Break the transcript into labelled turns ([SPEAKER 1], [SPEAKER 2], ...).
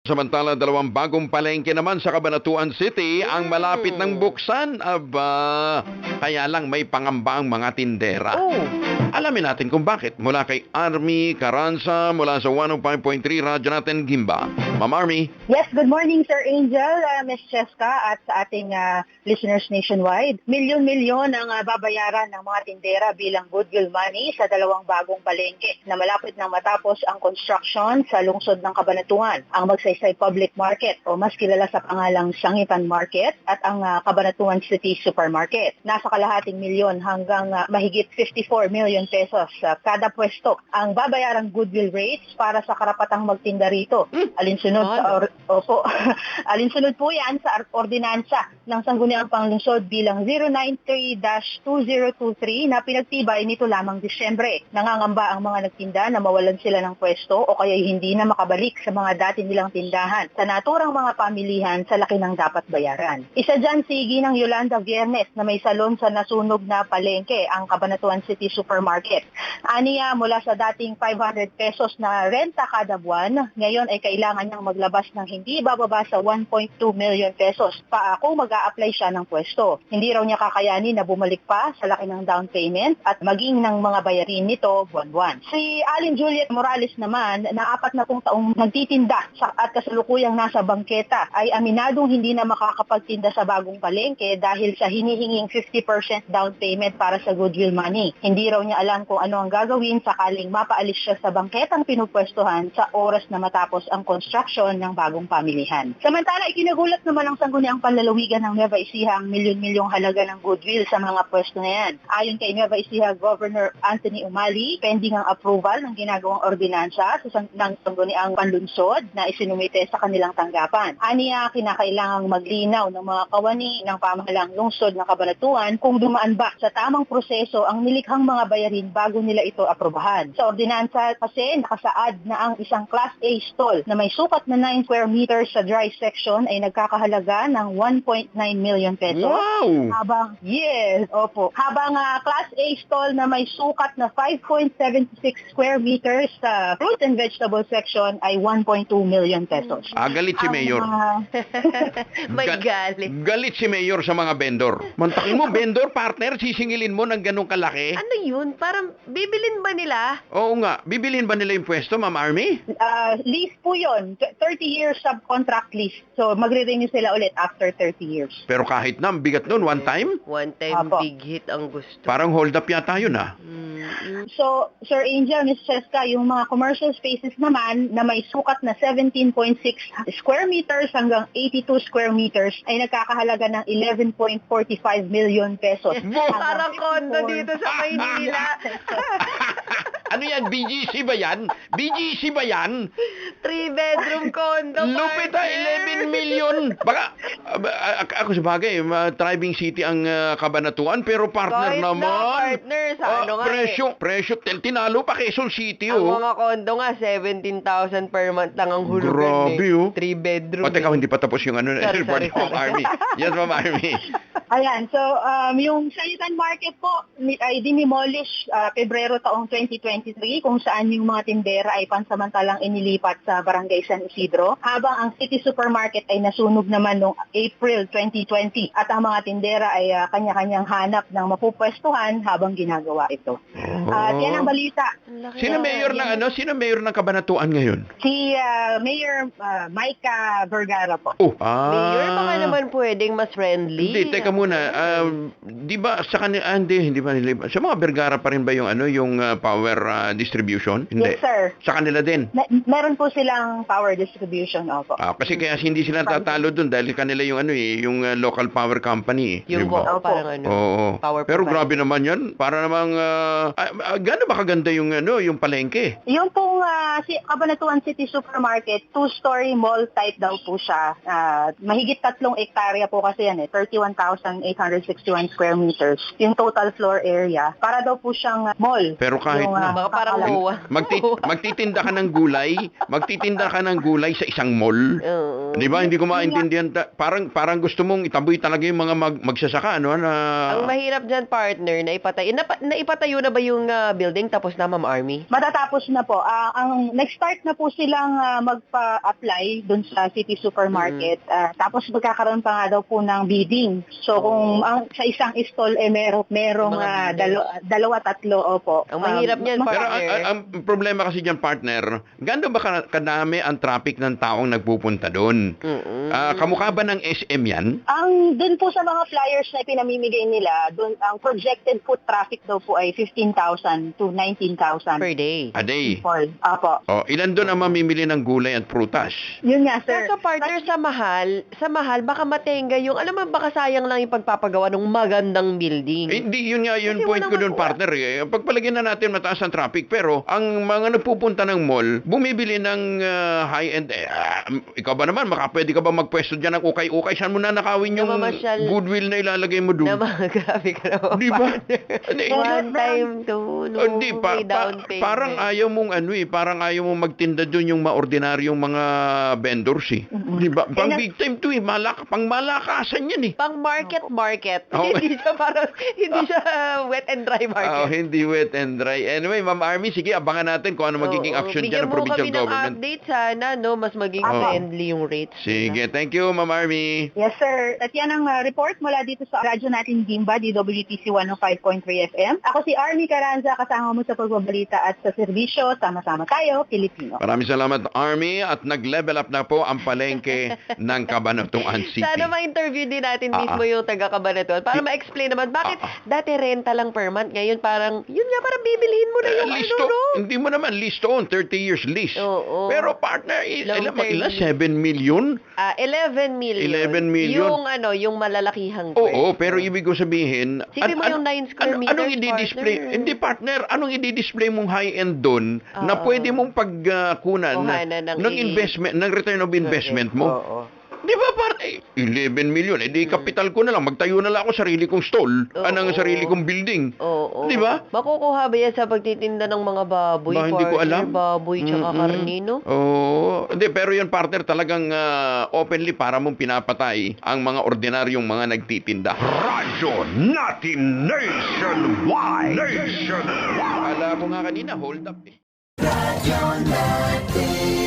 [SPEAKER 1] Samantala, dalawang bagong palengke naman sa Cabanatuan City ang malapit ng buksan. Aba, kaya lang may pangamba ang mga tindera. Alamin natin kung bakit. Mula kay Army Carranza, mula sa 105.3 Radyo natin Gimba. Ma'am Army.
[SPEAKER 2] Yes, good morning Sir Angel, Ms. Cheska at sa ating listeners nationwide. Milyon-milyon ang babayaran ng mga tindera bilang goodwill money sa dalawang bagong palengke na malapit nang matapos ang construction sa lungsod ng Cabanatuan. Ang Magsaysay Public Market o mas kilala sa pangalang Sangitan Market at ang Cabanatuan City Supermarket. Nasa kalahating milyon hanggang mahigit 54 million pesos kada pwesto ang babayarang goodwill rates para sa karapatang magtinda rito. Alinsunod po yan sa ordinansa ng Sangguniang Panglungsod bilang 093-2023 na pinagtibay nito lamang Disyembre. Nangangamba ang mga nagtinda na mawalan sila ng pwesto o kaya hindi na makabalik sa mga dati nilang tindahan sa naturang mga pamilihan sa laki ng dapat bayaran. Isa dyan si Ginang Yolanda Viernes na may salon sa nasunog na palengke, ang Cabanatuan City Supermarket. Aniya, mula sa dating 500 pesos na renta kada buwan, ngayon ay kailangan niyang maglabas ng hindi bababa sa 1.2 million pesos pa kung mag-a-apply siya ng pwesto. Hindi raw niya kakayanin na bumalik pa sa laki ng down payment at maging ng mga bayarin nito buwan-buwan. Si Alin Juliet Morales naman, na 40 taong nagtitinda at kasalukuyang nasa bangketa, ay aminadong hindi na makakapagtinda sa bagong palengke dahil sa hinihinging 50% down payment para sa goodwill money. Hindi raw niya alam kung ano ang gagawin sakaling mapaalis siya sa bangketang pinupwestuhan sa oras na matapos ang construction ng bagong pamilihan. Samantala, ikinagulat naman ng Sangguniang Panlalawigan ng Nueva Ecija ang milyon-milyong halaga ng goodwill sa mga pwesto na yan. Ayon kay Nueva Ecija Governor Anthony Umali, pending ang approval ng ginagawang ordinansa ng Sangguniang Panlunsod na isinumite sa kanilang tanggapan. Aniya, kinakailangang maglinaw ng mga kawani ng pamahalang lungsod ng Cabanatuan kung dumaan ba sa tamang proseso ang nilikhang mga bayarin bago nila ito aprobahan. Sa ordinansa kasi nakasaad na ang isang Class A stall na may sukat na 9 square meters sa dry section ay nagkakahalaga ng 1.9 million pesos.
[SPEAKER 1] Wow!
[SPEAKER 2] Habang Class A stall na may sukat na 5.76 square meters sa fruit and vegetable section ay 1.2 million pesos.
[SPEAKER 1] Galit si Mayor.
[SPEAKER 3] May galit.
[SPEAKER 1] Galit si Mayor sa mga vendor. Mantakin mo, vendor partner, sisingilin mo ng ganong kalaki?
[SPEAKER 3] Ano yun? Parang bibilin ba nila?
[SPEAKER 1] Oo nga. Bibilin ba nila yung pwesto, Ma'am Army?
[SPEAKER 2] Lease po yun. 30 years subcontract lease. So, magre-renew sila ulit after 30 years.
[SPEAKER 1] Pero kahit na, ang bigat nun, one time?
[SPEAKER 3] One time
[SPEAKER 2] Apo.
[SPEAKER 3] big hit ang gusto.
[SPEAKER 1] Parang hold up yata yun
[SPEAKER 2] So, Sir Angel, Ms. Cheska, yung mga commercial spaces naman na may sukat na 17.6 square meters hanggang 82 square meters ay nagkakahalaga ng 11.45 million pesos.
[SPEAKER 3] Parang kondo dito sa Maynila.
[SPEAKER 1] Ano yan? BGC ba yan? BGC ba yan?
[SPEAKER 3] 3-bedroom condo.
[SPEAKER 1] Lupit 11 million. Baka, ako sa bagay, thriving city ang Cabanatuan, pero partner
[SPEAKER 3] Kahit
[SPEAKER 1] naman.
[SPEAKER 3] partner sa ano nga
[SPEAKER 1] Presyo, tinalo pa Quezon City,
[SPEAKER 3] Ang mga kondo nga, 17,000 per month lang ang hulugan.
[SPEAKER 1] Grabe, oh.
[SPEAKER 3] 3-bedroom.
[SPEAKER 1] O, teka, hindi pa tapos yung ano,
[SPEAKER 3] Sorry,
[SPEAKER 1] report ng Ma'am Army. Yes, Ma'am Army.
[SPEAKER 2] Ayan, so yung Sangitan Market po ay dinimolish Pebrero taong 2023 kung saan yung mga tindera ay pansamantalang inilipat sa Barangay San Isidro, habang ang City Supermarket ay nasunog naman noong April 2020 at ang mga tindera ay kanya-kanyang hanap ng mapupwestuhan habang ginagawa ito. At yan ang balita.
[SPEAKER 1] Sino mayor ng Sino mayor ng Cabanatuan ngayon?
[SPEAKER 2] Si Mayor Micah Vergara po.
[SPEAKER 3] Mayor, baka naman pwedeng mas friendly.
[SPEAKER 1] Hindi, teka muna. Di ba sa kanila, hindi ba nila, sa mga Vergara pa rin ba yung yung power distribution? Hindi.
[SPEAKER 2] Yes, sir.
[SPEAKER 1] Sa kanila din.
[SPEAKER 2] Meron po silang power distribution, opo.
[SPEAKER 1] Kasi kaya hindi sila tatalo doon dahil kanila yung yung local power company.
[SPEAKER 3] Yung
[SPEAKER 1] diba?
[SPEAKER 3] parang
[SPEAKER 1] Oo.
[SPEAKER 3] power
[SPEAKER 1] Pero
[SPEAKER 3] provider.
[SPEAKER 1] grabe naman yan. Para namang, gano'n ba kaganda yung yung palengke?
[SPEAKER 2] Yung pong si Cabanatuan City Supermarket, 2-story mall type daw po siya. Mahigit 3 hektarya po kasi yan 31,000 ng 861 square meters, yung total floor area, para daw po siyang mall.
[SPEAKER 1] Pero kahit
[SPEAKER 2] Yung,
[SPEAKER 1] na.
[SPEAKER 3] Baka parang
[SPEAKER 2] kakalaki.
[SPEAKER 3] MOA.
[SPEAKER 1] Magtitinda ka ng gulay sa isang mall.
[SPEAKER 3] Oo.
[SPEAKER 1] Di ba? Hindi ko maintindihan. Parang gusto mong itaboy talaga yung mga magsasaka, ano, na...
[SPEAKER 3] Ang mahirap dyan, partner, naipatayo na ba yung building tapos na, Ma'am Army?
[SPEAKER 2] Matatapos na po. Ang nag-start na po silang magpa-apply dun sa City Supermarket. Tapos magkakaroon pa nga daw po ng bidding. So kung sa isang stall merong
[SPEAKER 3] Mga bidders.
[SPEAKER 2] dalawa, tatlo, opo.
[SPEAKER 3] Ang mahirap niyan,
[SPEAKER 2] mas-
[SPEAKER 1] Pero
[SPEAKER 3] partner.
[SPEAKER 1] ang problema kasi dyan, partner, gano'n ba kadami ang traffic ng taong nagpupunta doon? Kamukha ba ng SM yan?
[SPEAKER 2] Ang dun po sa mga flyers na pinamimigay nila, dun ang projected foot traffic daw po ay 15,000 to 19,000
[SPEAKER 3] Per day.
[SPEAKER 1] A day.
[SPEAKER 2] people. Apo.
[SPEAKER 1] Ilan doon ang mamimili ng gulay at prutas?
[SPEAKER 2] Yun nga, sir.
[SPEAKER 3] Kaso partner, sa mahal, baka matenga yung, alam mo, baka sayang lang yung pagpapagawa ng magandang building.
[SPEAKER 1] Hindi, yun nga, yun
[SPEAKER 3] Kasi
[SPEAKER 1] point ko
[SPEAKER 3] walang
[SPEAKER 1] doon, partner. Pagpalagyan na natin mataas ang traffic, pero ang mga nagpupunta ng mall, bumibili ng high-end. Ikaw ba naman, pwede ka ba magpwesto dyan ng ukay-ukay? Saan mo na nakawin yung
[SPEAKER 3] Namamasyal.
[SPEAKER 1] goodwill na ilalagay mo doon?
[SPEAKER 3] Na mga grabe ka naman,
[SPEAKER 1] Di ba?
[SPEAKER 3] partner.
[SPEAKER 1] Hindi.
[SPEAKER 3] One time to, no,
[SPEAKER 1] Hindi,
[SPEAKER 3] may down payment.
[SPEAKER 1] parang ayaw mong parang ayaw mong magtinda doon yung maordinaryong mga vendors eh. Di ba? Pang big time to pang malakasan yan eh.
[SPEAKER 3] Pang market.
[SPEAKER 1] Okay.
[SPEAKER 3] Hindi siya wet and dry market.
[SPEAKER 1] Hindi wet and dry. Anyway, Ma'am Army, sige, abangan natin kung ano magiging
[SPEAKER 3] Oo,
[SPEAKER 1] action
[SPEAKER 3] bigyan
[SPEAKER 1] dyan ng
[SPEAKER 3] mo
[SPEAKER 1] provincial
[SPEAKER 3] kami ng
[SPEAKER 1] government.
[SPEAKER 3] update sana, no? Mas maging
[SPEAKER 2] Opo.
[SPEAKER 3] friendly yung rates.
[SPEAKER 1] Sige, thank you, Ma'am Army.
[SPEAKER 2] Yes, sir. At yan ang report mula dito sa radyo natin Gimba, DWTC 105.3 FM. Ako si Army Caranza, kasama mo sa pagbabalita at sa serbisyo. Sama-sama tayo, Pilipino.
[SPEAKER 1] Maraming salamat, Army, at nag-level up na po ang palengke ng Cabanatuan City.
[SPEAKER 3] Sana ma-interview din natin mismo yung taga-Cabanatuan para ma-explain naman bakit dati renta lang per month, ngayon parang, yun nga, parang bibilhin mo na yung
[SPEAKER 1] listo,
[SPEAKER 3] ano, no?
[SPEAKER 1] hindi mo naman listo on 30 years lease.
[SPEAKER 3] Oo.
[SPEAKER 1] Pero partner,
[SPEAKER 3] Long
[SPEAKER 1] ilan?
[SPEAKER 3] term.
[SPEAKER 1] 7 million?
[SPEAKER 3] 11 million.
[SPEAKER 1] 11 million.
[SPEAKER 3] Yung malalakihang
[SPEAKER 1] Oo, pero ibig ko sabihin...
[SPEAKER 3] Sipin mo yung 9 square meters,
[SPEAKER 1] Anong i-display?
[SPEAKER 3] partner.
[SPEAKER 1] Hindi, partner. Anong i-display mong high-end doon na pwede mong pagkunan
[SPEAKER 3] Kuhanan ng
[SPEAKER 1] ng investment, ng return of investment mo?
[SPEAKER 3] Oo.
[SPEAKER 1] Di ba, partner? 11 million. Di kapital ko na lang. Magtayo na lang ako sarili kong stall. Anong sarili kong building.
[SPEAKER 3] Oo.
[SPEAKER 1] Di ba?
[SPEAKER 3] Makukuha ba yan sa pagtitinda ng mga baboy?
[SPEAKER 1] Ba, hindi ko
[SPEAKER 3] partner?
[SPEAKER 1] alam.
[SPEAKER 3] Baboy tsaka karnino?
[SPEAKER 1] Oo. Hindi, pero yun, partner, talagang openly para mong pinapatay ang mga ordinaryong mga nagtitinda.
[SPEAKER 4] Radyo natin nationwide.
[SPEAKER 1] Akala ko nga kanina, hold up eh.
[SPEAKER 5] Radyo natin.